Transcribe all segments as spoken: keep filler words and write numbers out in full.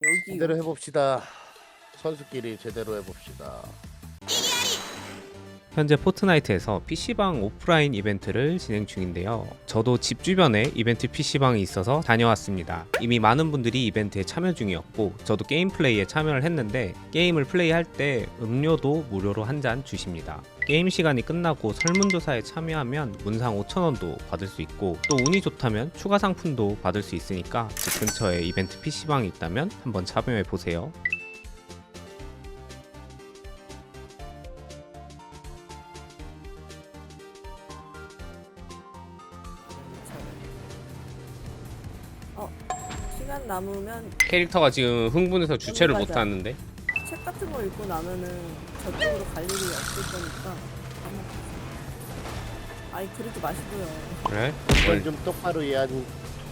여기 제대로 해봅시다. 선수끼리 제대로 해봅시다. 현재 포트나이트에서 피씨방 오프라인 이벤트를 진행 중인데요. 저도 집 주변에 이벤트 피씨방이 있어서 다녀왔습니다. 이미 많은 분들이 이벤트에 참여 중이었고 저도 게임 플레이에 참여를 했는데 게임을 플레이할 때 음료도 무료로 한 잔 주십니다. 게임 시간이 끝나고 설문조사에 참여하면 문상 오천 원도 받을 수 있고 또 운이 좋다면 추가 상품도 받을 수 있으니까 집 근처에 이벤트 피씨방이 있다면 한번 참여해보세요. 어 시간 남으면 캐릭터가 지금 흥분해서 주체를 맞아. 못하는데 책 같은 거 읽고 나면은 저쪽으로 갈 일이 없을 거니까 아니 그러지 마시고요. 그래? 이걸 좀 똑바로 해야지.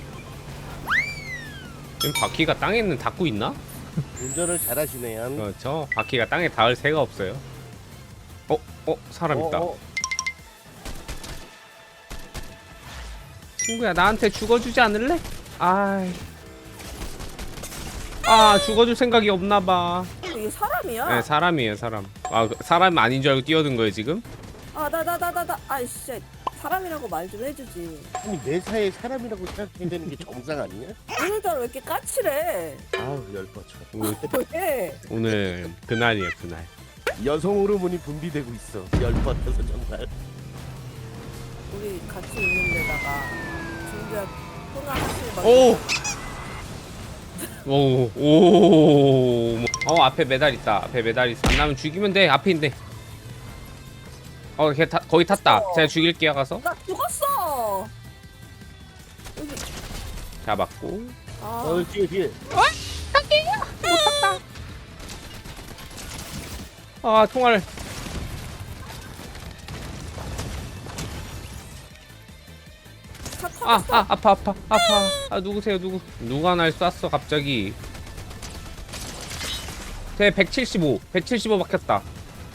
지금 바퀴가 땅에 있는 닿고 있나? 운전을 잘하시네요. 그렇죠. 바퀴가 땅에 닿을 새가 없어요. 어? 어? 사람 있다. 어, 어. 친구야 나한테 죽어주지 않을래? 아이. 아 죽어줄 생각이 없나봐. 이게 사람이야? 네 사람이에요 사람. 아 사람 아닌 줄 알고 뛰어든 거예요 지금? 아 나 나 나 나 나 아이씨 사람이라고 말 좀 해주지. 아니 매사에 사람이라고 생각해야 되는 게 정상 아니냐? 오늘따라 왜 이렇게 까칠해? 아우 열받쳐. 오늘, 왜? 오늘 그날이에요 그날. 여성 호르몬이 분비되고 있어. 열받아서 정말. 우리 같이 있는 데다가 준비한 통화 하실 막 오! 오, 오, 어 앞에 메달 있다. 앞에 메달 있어. 안 나면 죽이면 돼. 앞에 있네. 어, 걔 타, 거의 탔다. 어. 제가 죽일게요 가서. 나 죽었어. 여기 잡았고. 아 어 뒤에 뒤에. 아 총알. 차 아, 터졌어. 아 아파 아파 아파. 아 누구세요 누구? 누가 날 쐈어 갑자기. 제 백칠십오, 백칠십오 박혔다.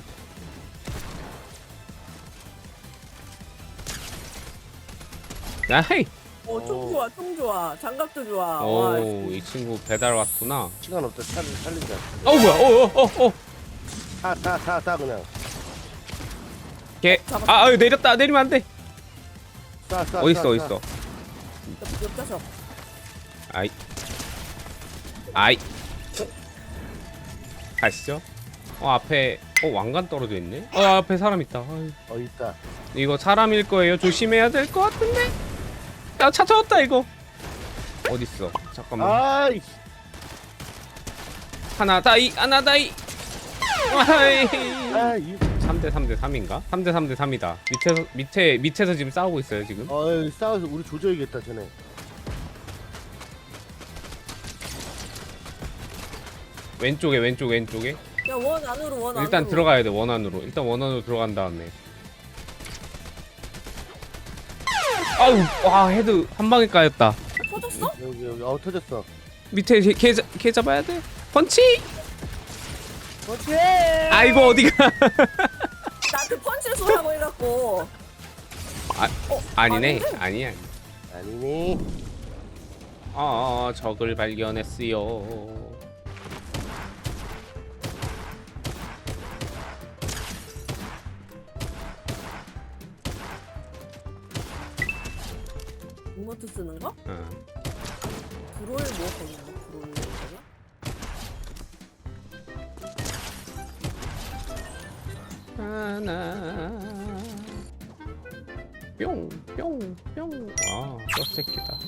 나이. 어, 총 좋아, 총 좋아. 장갑도 좋아. 와, 오, 이 친구 배달 왔구나. 시간 없다. 차를 살리자. 어 뭐야? 어어어 어. 타타타타 그냥. 걔. 아, 아 내렸다. 내리면 안 돼. 쏴 쏴. 어디 있어? 쏴, 어디 쏴. 있어? 옆, 옆좌석. 아이. 아이. 가시죠. 어 앞에 어 왕관 떨어져 있네. 어 앞에 사람 있다. 아유. 어 있다. 이거 사람일 거예요. 조심해야 될 것 같은데. 야 찾아왔다 이거. 어디 있어? 잠깐만. 아이. 하나 다이 하나 다이. 아이. 아 이. 삼 대 삼 대 삼인가? 삼 대 삼 대 삼이다. 밑에서 밑에 밑에서 지금 싸우고 있어요 지금. 어 여기 싸워서 우리 조져야겠다 쟤네. 왼쪽에 왼쪽 왼쪽에. 야, 원 안으로, 원 안으로. 일단 들어가야 돼 원 안으로. 일단 원 안으로 들어간 다음에. 아우 와 헤드 한 방에 까였다. 터졌어? 여기 여기 어 터졌어. 밑에 걔, 걔, 잡- 걔 잡아야 돼. 펀치. 그렇지. 아이고 어디가. 나한테 펀치를 쏘라고 해갖고. 아 어, 아니네 아닌데? 아니야. 아니니. 아 적을 발견했어요. 리모트 쓰는 거? 응. 브롤 뭐 쓰는 거? 브롤 뭐냐? 하나 뿅뿅뿅. 아저 새끼다.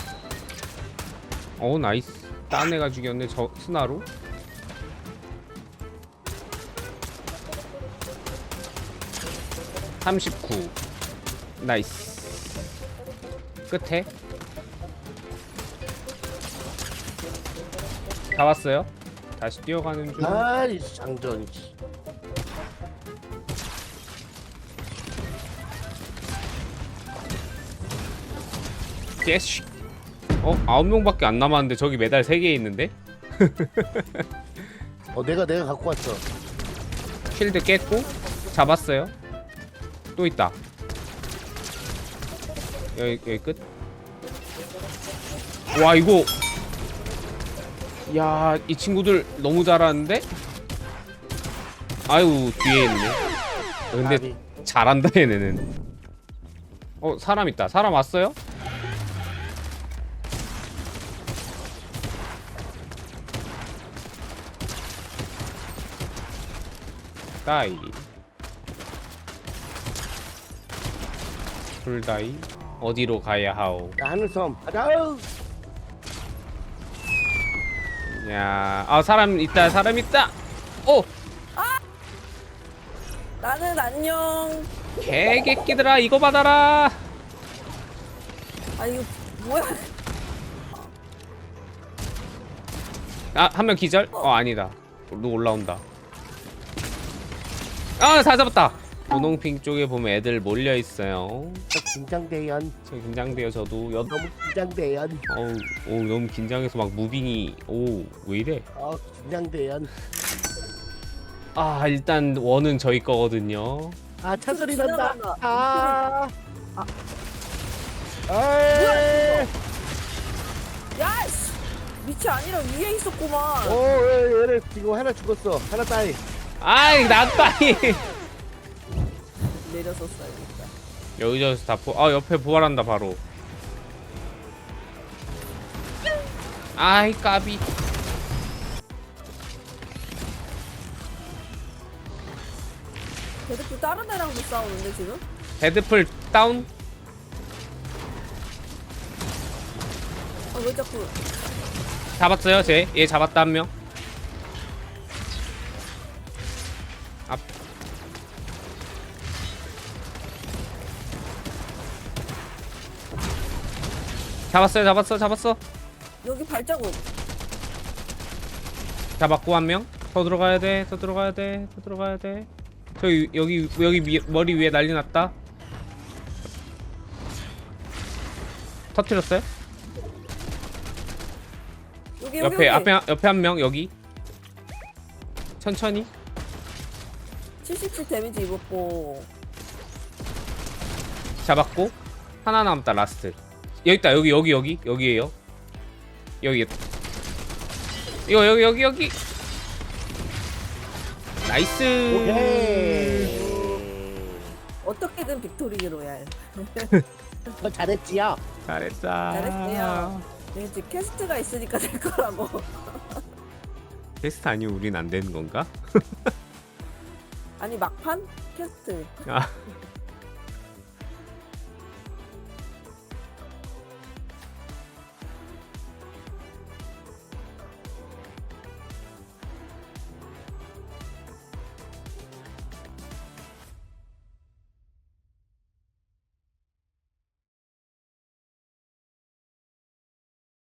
어 나이스. 딴 애가 죽였네 저 스나로. 삼십구. 나이스. 끝에 다 왔어요. 다시 뛰어가는 중. 아이 장전. 예시. 어 아홉 명밖에 안 남았는데 저기 메달 세 개 있는데. 어 내가 내가 갖고 왔어. 쉴드 깼고 잡았어요. 또 있다. 여기 여기 끝. 와 이거 야, 이 친구들 너무 잘하는데? 아유, 뒤에 있네. 근데 아비. 잘한다 얘네는. 어, 사람 있다. 사람 왔어요? 다이. 불다이. 어디로 가야 하오? 하늘섬 가자. 야, 아 사람 있다. 사람 있다. 오, 나는 안녕. 개개끼들아 이거 받아라. 아 이거 뭐야? 아, 한 명 기절? 어, 아니다. 누 올라온다. 아, 다 잡았다. 분홍핑 쪽에 보면 애들 몰려 있어요. 저 긴장돼연. 저 긴장돼요. 저도 여... 너무 긴장돼연. 어우, 오, 너무 긴장해서 막 무빙이 오, 왜 이래? 어 긴장돼연. 아, 일단 원은 저희 거거든요. 아 차소리 난다. 지나간다. 아. 아. 에이. 야, 씨. 밑이 아니라 위에 있었구만. 오, 얘, 얘네 이거 하나 죽었어. 하나 따위. 아이, 나빠이. 내렸었어야겠다. 여기저기서 다 포... 아, 옆에 부활한다 바로. 아이, 까비. 걔들 또 다른 애랑도 싸우는데 지금? 데드풀 다운. 아 왜 자꾸? 잡았어요, 쟤. 얘 잡았다 한 명. 앞. 잡았어요, 잡았어, 잡았어. 여기 발자국. 잡았고 한 명. 더 들어가야 돼, 더 들어가야 돼, 더 들어가야 돼. 저기 여기 여기 위, 머리 위에 난리 났다. 터뜨렸어요? 여기 여기 옆에 여기. 앞에 옆에 한 명 여기. 천천히. 칠십칠 데미지 입었고. 잡았고 하나 남았다 라스트. 여기 있다. 여기 여기 여기 여기에요. 여기. 이거 여기 여기 여기. 나이스. 오케이. 어떻게든 빅토리 로얄. 너 잘했지요? 잘했다. 잘했어요. 네, 이제 캐스트가 있으니까 될 거라고. 테스트 아니면 우린 안 되는 건가? 아니 막판 캐스트. 아